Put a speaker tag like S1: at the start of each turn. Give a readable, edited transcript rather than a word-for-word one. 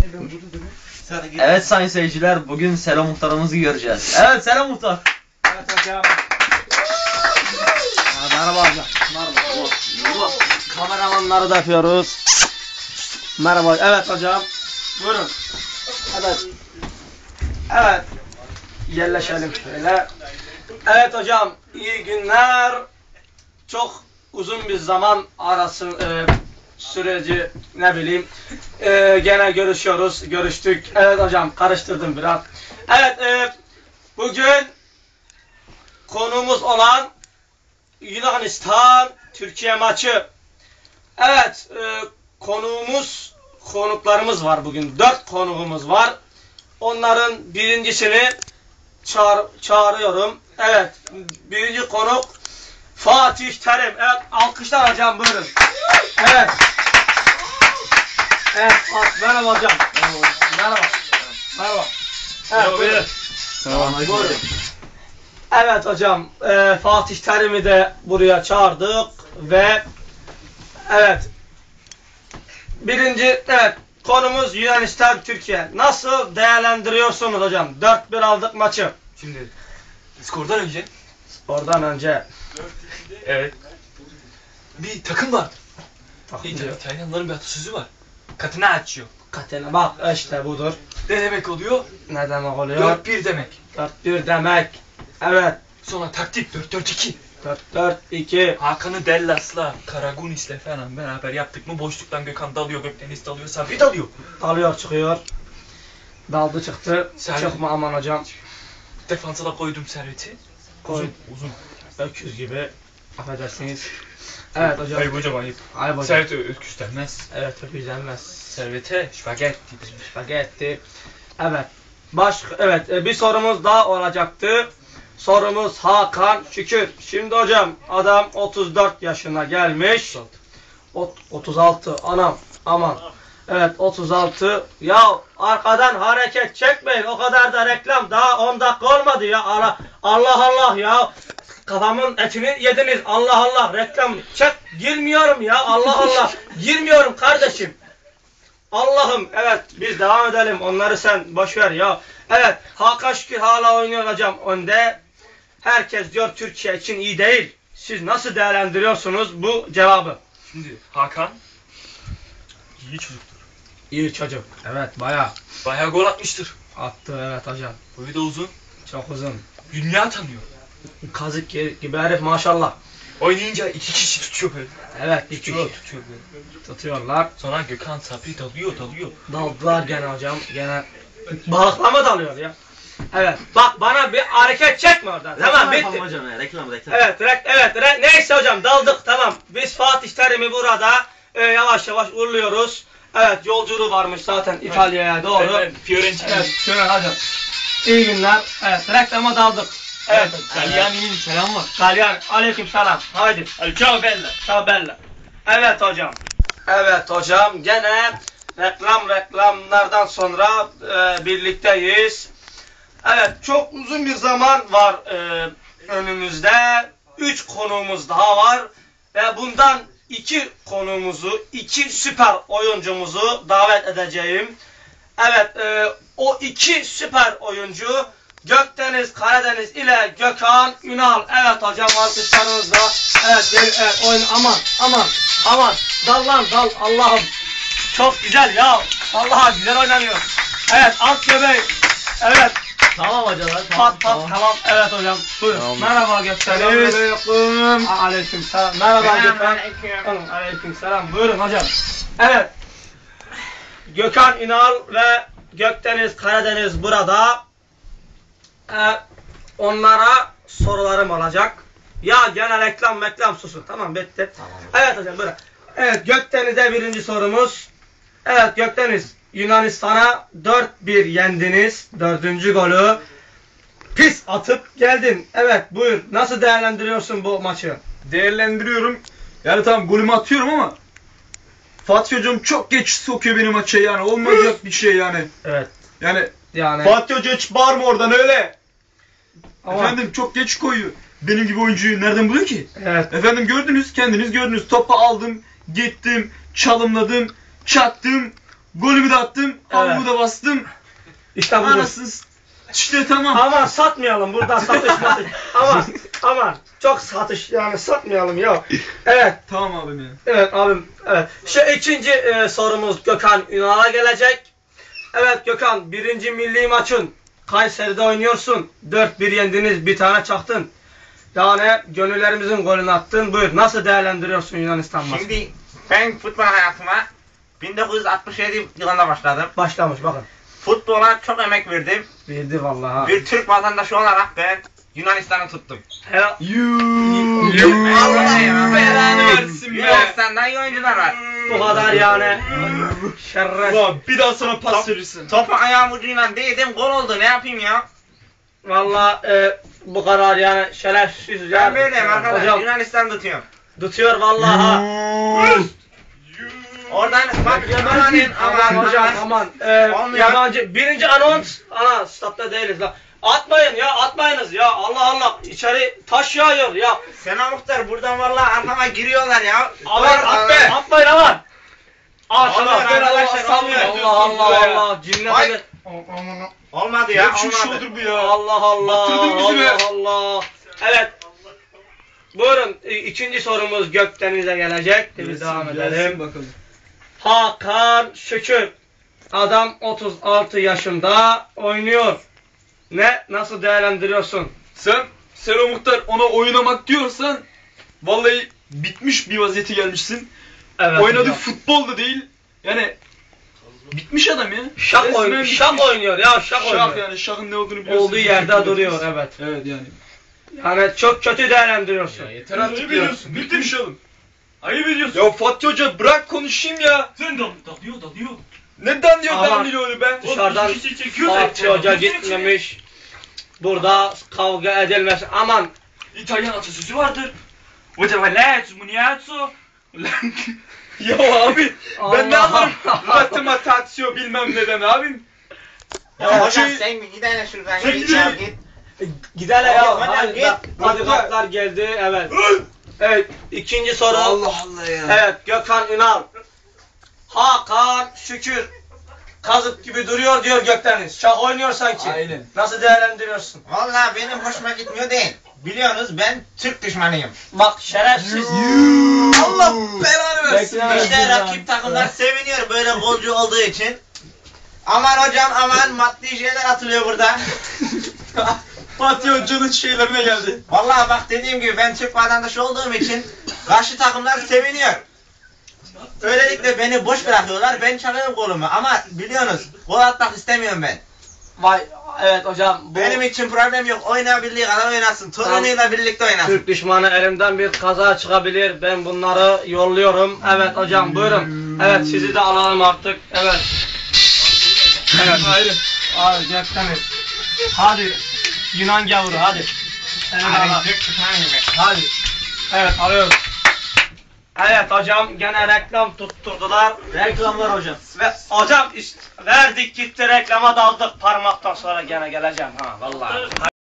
S1: Evet sayın seyirciler, bugün Selo Muhtarımızı göreceğiz. Evet Selo Muhtar.
S2: Evet hocam. Merhaba hocam. Merhaba. Kameramanları da yapıyoruz. Merhaba. Evet hocam. Buyurun. Evet. Evet. Yerleşelim şöyle. Evet hocam. İyi günler. Çok uzun bir zaman arası süreci ne bileyim. Gene görüştük. Evet hocam karıştırdım biraz. Evet bugün konumuz olan Yunanistan Türkiye maçı. Evet konuklarımız var bugün. 4 konuğumuz var. Onların birincisini çağırıyorum. Evet birinci konuk Fatih Terim. Evet alkışlar hocam buyurun. Evet. Evet merhaba hocam. Merhaba. Merhaba. Evet buyurun. Buyurun. Evet hocam Fatih Terim'i de buraya çağırdık ve evet konumuz Yunanistan Türkiye. Nasıl değerlendiriyorsunuz hocam? 4-1 aldık maçı.
S3: Şimdi skordan önce evet bir takım vardı. İtalyanların bir atasözü var. Katına açıyor.
S2: Katena bak işte budur.
S3: Ne demek oluyor?
S2: Ne demek oluyor?
S3: 4-1 demek.
S2: 4-1 demek. Evet.
S3: Sonra taktik 4-4-2.
S2: 4-4-2.
S3: Hakan'ı Dellas'la, Karagunis'le falan beraber yaptık mı boşluktan Gökhan dalıyor, Gökdeniz dalıyor, Sabri dalıyor.
S2: Dalıyor çıkıyor. Daldı çıktı.
S3: Servet.
S2: Çıkma aman hocam.
S3: Defansa da koydum Servet'i. Uzun.
S2: Öküz gibi. Affedersiniz. Evet hocam.
S3: Ayıp hocam ayıp.
S2: Ayıp hocam.
S3: Servet'e öküz denmez.
S2: Evet öküz denmez.
S3: Servet'e spagetti denir.
S2: Spagetti. Evet. Bir sorumuz daha olacaktı. Sorumuz Hakan Şükür. Şimdi hocam adam 34 yaşına gelmiş. 36. Anam. Aman. Evet 36. Ya arkadan hareket çekmeyin. O kadar da reklam. Daha 10 dakika olmadı ya. Allah ya. Kafamın etini yediniz. Allah reklam. Çek. Girmiyorum ya. Allah. Girmiyorum kardeşim. Allah'ım evet biz devam edelim. Onları sen boşver ya. Evet Hakan Şükür hala oynuyor hocam önde. Herkes diyor Türkiye için iyi değil. Siz nasıl değerlendiriyorsunuz bu cevabı?
S3: Şimdi Hakan iyi çocuktur.
S2: İyi çocuk. Evet bayağı
S3: Gol atmıştır.
S2: attı evet hocam.
S3: Boyu da uzun.
S2: Çok uzun.
S3: Dünya tanıyor.
S2: Kazık gibi herif maşallah.
S3: Oynayınca 2 kişi tutuyor böyle.
S2: Evet
S3: Tutuyor böyle.
S2: tutuyorlar.
S3: Sonra Gökhan Sabri dalıyor.
S2: Daldılar gene hocam. Gene balıklama dalıyor ya. Evet. Bak bana bir hareket çekme oradan. Tamam bitti.
S1: Hocam ya, reklam.
S2: Evet. Neyse hocam daldık tamam. Biz Fatih Terim'i burada yavaş uğurluyoruz. Evet yolculuğu varmış zaten İtalya'ya doğru.
S3: Evet, Fiorentina.
S2: Evet şöyle hocam. İyi günler. Evet reklama daldık. Evet.
S3: Gagliani'nin selam var.
S2: Galyan aleyküm selam. Haydi.
S3: Ciao bella.
S2: Ciao bella. Evet hocam. Gene reklamlardan sonra birlikteyiz. Evet çok uzun bir zaman var önümüzde. 3 konuğumuz daha var. Ve bundan 2 süper oyuncumuzu davet edeceğim. Evet o 2 süper oyuncu Gökdeniz Karadeniz ile Gökhan Ünal. Evet hocam alkışlarınızla. Evet oyun aman. Dal Allah'ım. Çok güzel ya. Vallahi güzel oynanıyor. Evet alt göbeği. Evet.
S1: Tamam hocam.
S2: Tamam. Evet hocam. Buyurun. Tamam. Merhaba Gökdeniz. Aleykümselam. Merhaba Gökhan. Aleykümselam. Buyurun hocam. Evet. Gökhan Ünal ve Gökdeniz Karadeniz burada. Onlara sorularım olacak. Ya gene reklam susun. Tamam bitti. Tamam. Evet hocam buyurun. Evet Gökdeniz'e birinci sorumuz. Evet Gökdeniz Yunanistan'a 4-1 yendiniz. 4. golü pis atıp geldin. Evet buyur. Nasıl değerlendiriyorsun bu maçı?
S4: Değerlendiriyorum. Yani tamam golümü atıyorum ama Fatih hocam çok geç sokuyor beni maça yani. Olmayacak bir şey yani.
S2: Evet.
S4: Yani Fatih Hoca hiç bağırma oradan öyle. Ama efendim çok geç koyuyor. Benim gibi oyuncuyu nereden buluyor ki?
S2: Evet.
S4: Efendim kendiniz gördünüz. Topu aldım, gittim, çalımladım, çaktım. Golümü de attım. Havumu da bastım.
S2: İşte budur.
S4: Anasını işte tamam.
S2: Aman satmayalım burada satış. aman çok satış yani satmayalım ya. Evet.
S4: Tamam abim ya.
S2: Evet abim. Evet. Şu ikinci sorumuz Gökhan Ünal'a gelecek. Evet Gökhan, birinci milli maçın Kayseri'de oynuyorsun. 4-1 yendiniz, bir tane çaktın. Yani gönüllerimizin golünü attın. Buyur. Nasıl değerlendiriyorsun Yunanistan maçını?
S5: Şimdi ben futbol hayatıma 1967 yılında başladım.
S2: Başlamış bakın.
S5: Futbola çok emek verdim.
S2: Verdi vallahi ha.
S5: Bir Türk vatandaşı olarak ben Yunanistan'ı tuttum.
S2: Helal.
S5: Allah ya.
S4: belanı versin be.
S5: Yunanistan'da iyi oyuncular var.
S2: Bu kadar yani. Şerref.
S4: Ulan bir daha sana pas verirsin.
S5: Topu ayağım ucuyla değdim, gol oldu, ne yapayım ya?
S2: Vallahi bu karar yani şerefsiz ya.
S5: Ben böyleyim arkadaş,
S2: Hocam
S5: Yunanistan tutuyorum.
S2: tutuyor vallahi ha.
S5: Oradan bak aman
S2: Hocam aman.
S5: Olmuyor.
S2: Yabancı. Birinci anons. Ana statta değiliz lan. Atmayın ya, atmayınız ya. Allah Allah. İçeri taş yağıyor ya.
S5: Sena Muhtar buradan vallahi arkama giriyorlar ya.
S2: Aman atmayın aman.
S5: Olmuyor arkadaşlar, olmuyor.
S2: Allah Allah Allah. Cimri
S5: Ay.
S2: de.
S5: Olmadı ya,
S4: Ya şu
S5: olmadı.
S4: şudur bu ya.
S2: Allah Allah.
S4: Battırdın bizi be.
S2: Allah Allah. Evet. Buyurun ikinci sorumuz Gökdeniz'e gelecek. Biz devam edelim.
S4: Bakalım.
S2: Hakan Şükür. Adam 36 yaşında oynuyor. Nasıl değerlendiriyorsun?
S4: Sen Selo Muhtar ona oynamak diyorsan vallahi bitmiş bir vaziyete gelmişsin.
S2: Evet.
S4: Oynadığı
S2: hocam.
S4: futbol da değil. Yani bitmiş adam ya.
S2: Şak,
S4: Resmen bitmiş.
S2: şak oynuyor ya, şak oynuyor.
S4: Şak yani şakın ne olduğunu biliyorsun.
S2: Olduğu yerde duruyor, evet.
S4: Evet yani.
S2: Yani çok kötü değerlendiriyorsun.
S4: Yeter artık ya. Bitmiş oğlum. Ayıp ediyorsun. Ya Fatih Hoca bırak konuşayım ya.
S3: Sen dalıyor.
S4: Neden diyor
S2: Aman.
S4: ben öyle be?
S2: Dışarıdan
S3: Bir şey çekiyor da-
S2: Fatih Hoca gitmemiş. Burada kavga edilmez. Aman.
S3: İtalyan atasözü vardır. Hoca valet, muniazzo.
S4: Ya abi ben ne
S2: Allah.
S4: anlarım? Matematasyo bilmem neden abim.
S5: Ya hocam sen bir gidelim şuradan,
S4: Sen
S5: git
S4: gidin.
S5: ya git.
S2: Gidelim ya.
S5: Hocam,
S2: Hadi,
S5: git.
S2: hadi kartlar geldi. Evet. Evet. İkinci soru.
S4: Allah ya.
S2: Evet. Gökhan Ünal. Hakan Şükür. Kazık gibi duruyor diyor Gökdeniz. Şah oynuyor sanki.
S4: Aynen.
S2: Nasıl değerlendiriyorsun?
S5: Vallahi benim hoşuma gitmiyor değil. Biliyorsunuz ben Türk düşmanıyım.
S2: Bak şerefsiz.
S5: Allah belanı versin.
S2: Bekle,
S5: İşte
S2: bekle.
S5: rakip takımlar seviniyor böyle golcü olduğu için. Aman hocam aman, maddi şeyler atılıyor burada.
S4: Fatih Hoca'nın şeylerine geldi.
S5: Vallahi bak dediğim gibi ben Türk vatandaşı olduğum için karşı takımlar seviniyor. Öylelikle beni boş bırakıyorlar, ben çalıyorum golümü ama biliyorsunuz gol atmak istemiyorum ben.
S2: Vay evet hocam. Bu
S5: Benim için problem yok, oynayabildiği kadar oynasın, torunuyla birlikte oynasın.
S2: Türk düşmanı elimden bir kaza çıkabilir. Ben bunları yolluyorum. Evet hocam buyurun. Evet sizi de alalım artık. Evet. Evet.
S4: Hayır.
S2: Abi Gökdeniz. Hadi. Yunan gavuru hadi. Seni de alalım.
S5: Hadi Türk düşmanıyım ben.
S2: Hadi. Evet arıyorum. Evet hocam gene reklam tutturdular.
S1: Reklamlar hocam.
S2: Ve hocam işte verdik gitti reklama daldık. Parmaktan sonra gene geleceğim ha vallahi.